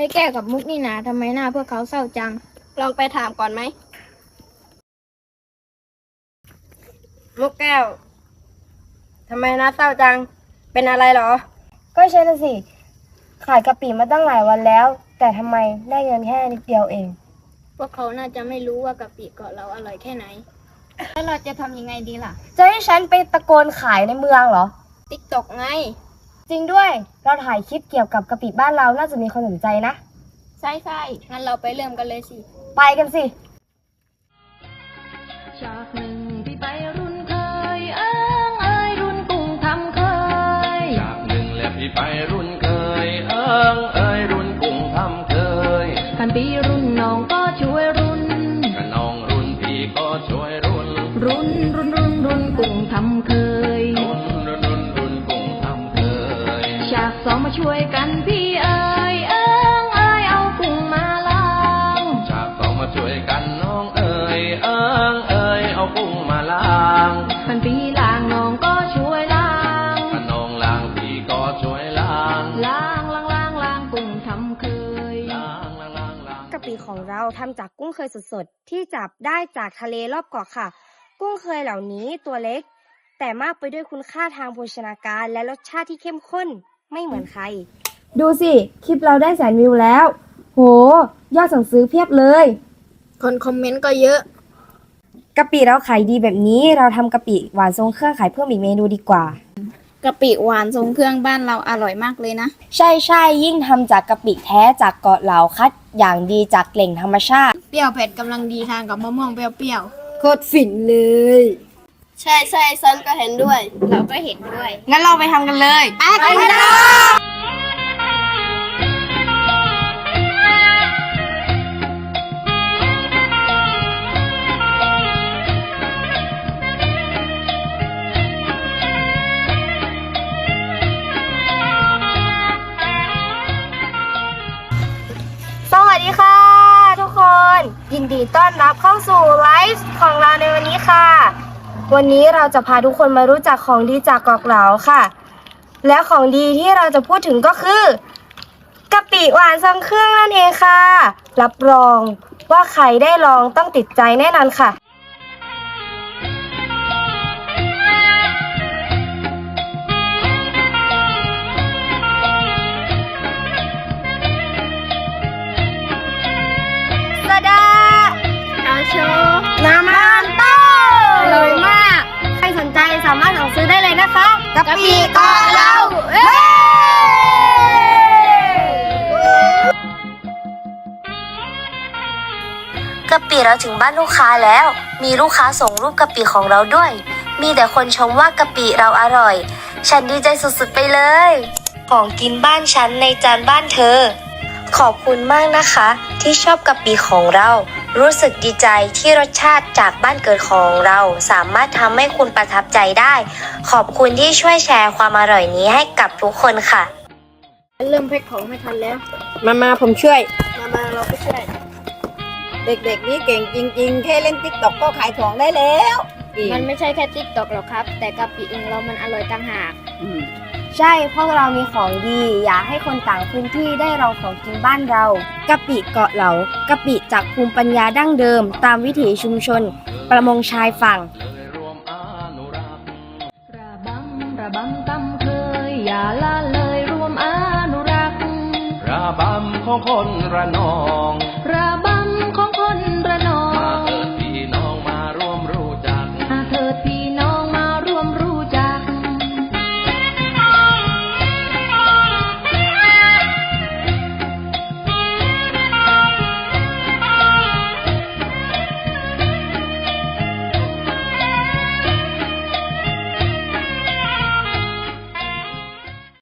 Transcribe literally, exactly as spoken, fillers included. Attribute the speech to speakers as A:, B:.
A: ให้แก้กับมุกนี่นะทำไมหน้าพวกเขาเศร้าจังลองไปถามก่อนไหมมุกแก้วทำไมหน้าเศร้าจังเป็นอะไรหรอ
B: ก็ใช่น่ะสิขายกะปิมาตั้งหลายวันแล้วแต่ทำไมได้เงินแค่นิดเดียวเอง
A: พวกเขาน่าจะไม่รู้ว่ากะปิเกาะเราอร่อยแค่ไหนแล้วเราจะทำยังไงดีล่ะ
B: จะให้ฉันไปตะโกนขายในเมืองเหรอ
A: ติ๊กต็อกไง
B: จริงด้วยเราถ่ายคลิปเกี่ยวกับกะปิบ้านเราน่าจะมีคนสนใจนะ
A: ใช่ใช่งั้นเราไปเริ่มกันเลยสิ
B: ไปกันสิ
C: จากหนึ่งพี่ไปรุ่นเคยเอิงเอ้ยรุ่นกุ้งทำเคย
D: จากหนึ่งและพี่ไปรุ่นเคยเอิงเอ้ยรุ่นกุ้งทำเคย
C: กันปีรุ่นน้องก็ช่วยรุ่น
D: กันน้องรุ่นพี่ก็ช่วยรุ่น
C: รุ่นรุ่นรุ่นรุ่นกุ้งทำเคย
D: รุ่นรุ่นรุ่นรุ่นกุ้งทำเคย
C: ฉากสองมาช่วยกันพี่เอ้ยเอิงเอ้ยเอากุ้งมาล้าง
D: ฉากสองมาช่วยกันน้องเอ้ยเอิงเอ้ยเอากุ้งมาล้าง
C: กันปีล้างน้องก็ช่วยล้าง
D: กันน้องล้างพี่ก็ช่วยล้าง
C: ล้างล้างล้างล้างกุ้งทำเคย
D: ล้างล้างล้างล้าง
B: กะปิของเราทำจากกุ้งเคยสดๆที่จับได้จากทะเลรอบเกาะค่ะกุ้งเคยเหล่านี้ตัวเล็กแต่มากไปด้วยคุณค่าทางโภชนาการและรสชาติที่เข้มข้นไม่เหมือนใครดูสิคลิปเราได้แสนวิวแล้วโหยอดสั่งซื้อเพียบเลย
A: คนคอมเมนต์ก็เยอะ
B: กะปิเราขายดีแบบนี้เราทำกะปิหวานทรงเครื่องขายเพิ่มอีกเมนูดีกว่าก
A: ะปิหวานทรงเครื่องบ้านเราอร่อยมากเลยนะ
B: ใช่ใช่ยิ่งทำจากกะปิแท้จากเกาะเหลาคัดอย่างดีจากแหล่งธรรมชาติ
A: เปรี้ยวเผ็ดกำลังดีทานกับมะม่วงเปรี้ยว
B: ๆโคตรฝิ่นเลย
A: ใช่ใช่ฉันก็เห็นด้วยเราก็เห็นด้วย
B: งั้นเราไปทำกันเลย
A: ไปกันเลย
B: สวัสดีค่ะทุกคนยินดีต้อนรับเข้าสู่ไลฟ์ของเราในวันนี้ค่ะวันนี้เราจะพาทุกคนมารู้จักของดีจากเกาะเหลาค่ะและของดีที่เราจะพูดถึงก็คือกะปิหวานทรงเครื่องนั่นเองค่ะรับรองว่าใครได้ลองต้องติดใจแน่นอนค่ะน้ำมันโต้อร่อยมากใครสนใจสามารถสั่งซื้อได้เลยนะคะ
A: กะปิเกาะเรา
B: กะปิเราถึงบ้านลูกค้าแล้วมีลูกค้าส่งรูปกะปิของเราด้วยมีแต่คนชมว่ากะปิเราอร่อยฉันดีใจสุดๆไปเลยของกินบ้านฉันในจานบ้านเธอขอบคุณมากนะคะที่ชอบกะปิของเรารู้สึกดีใจที่รสชาติจากบ้านเกิดของเราสามารถทำให้คุณประทับใจได้ขอบคุณที่ช่วยแชร์ความอร่อยนี้ให้กับทุกคนค่ะ
A: เริ่มแพ็คของไม่ทันแล้ว
B: มามาผมช่วย
A: มามาเราไปช่วย
E: เด็กๆนี่เก่งจริงๆแค่เล่นติ๊กต็อกก็ขายของได้แล้ว
A: มันไม่ใช่แค่ติ๊กต็อกหรอกครับแต่กะปิเองเรามันอร่อยต่างหาก
B: ใช่พวกเรามีของดีอยากให้คนต่างพื้นที่ได้ลองของกินบ้านเรากะปิเกาะเหลากะปิจากภูมิปัญญาดั้งเดิมตามวิถีชุมชนประมงชายฝั่ง
C: ระบำระบำตำเคยอย่าละเลยรวมอนุรักษ์
D: ระบำของคนระนอง